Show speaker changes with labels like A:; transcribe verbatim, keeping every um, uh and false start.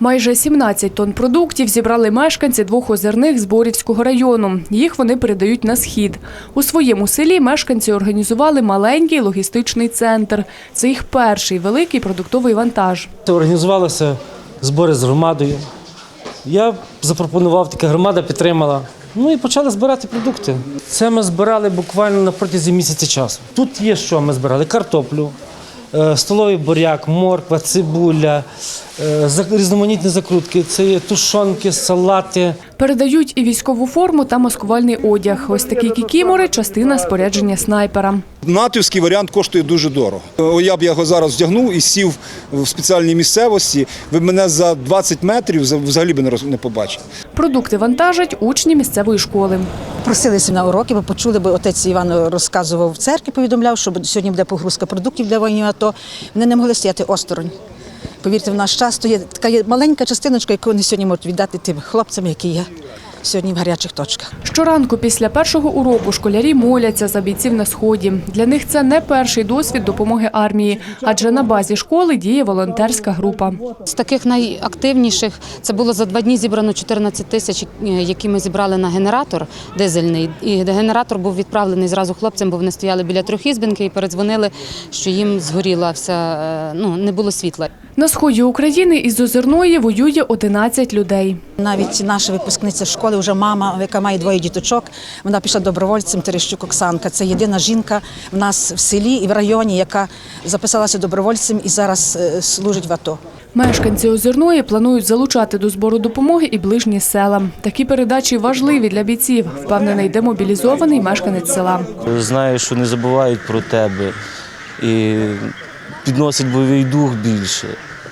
A: Майже сімнадцять тонн продуктів зібрали мешканці двох озерних Зборівського району. Їх вони передають на схід. У своєму селі мешканці організували маленький логістичний центр. Це їх перший великий продуктовий вантаж.
B: Організувалися збори з громадою. Я запропонував, така громада підтримала. Ну і почали збирати продукти. Це ми збирали буквально на протязі місяця часу. Тут є що ми збирали: картоплю, столовий буряк, морква, цибуля, різноманітні закрутки, це є тушонки, салати.
A: Передають і військову форму та маскувальний одяг. Ось такі кікімори – частина спорядження снайпера.
C: Натівський варіант коштує дуже дорого. Я б його зараз вдягнув і сів в спеціальній місцевості. Ви мене за двадцять метрів взагалі б не побачили.
A: Продукти вантажать учні місцевої школи.
D: Просилися на уроки, бо почули, бо отець Іван розказував в церкві, повідомляв, що сьогодні буде погрузка продуктів для воїнів АТО. Вони не могли стояти осторонь. Повірте, в наш час то є така є маленька частиночка, яку вони сьогодні можуть віддати тим хлопцям, які є сьогодні в гарячих точках.
A: Щоранку після першого уроку школярі моляться за бійців на Сході. Для них це не перший досвід допомоги армії, адже на базі школи діє волонтерська група.
E: З таких найактивніших це було за два дні зібрано чотирнадцять тисяч, які ми зібрали на генератор дизельний. І генератор був відправлений зразу хлопцям, бо вони стояли біля трьохізбинки і передзвонили, що їм згоріла вся, ну, не було світла.
A: На сході України із Озерної воює одинадцять людей.
D: Навіть наша випускниця школи, вже мама, яка має двоє діточок, вона пішла добровольцем, Терещук Оксанка. Це єдина жінка в нас в селі і в районі, яка записалася добровольцем і зараз служить в АТО.
A: Мешканці Озерної планують залучати до збору допомоги і ближні села. Такі передачі важливі для бійців, впевнений демобілізований мешканець села.
F: Знаю, що не забувають про тебе і підносить бойовий дух більше.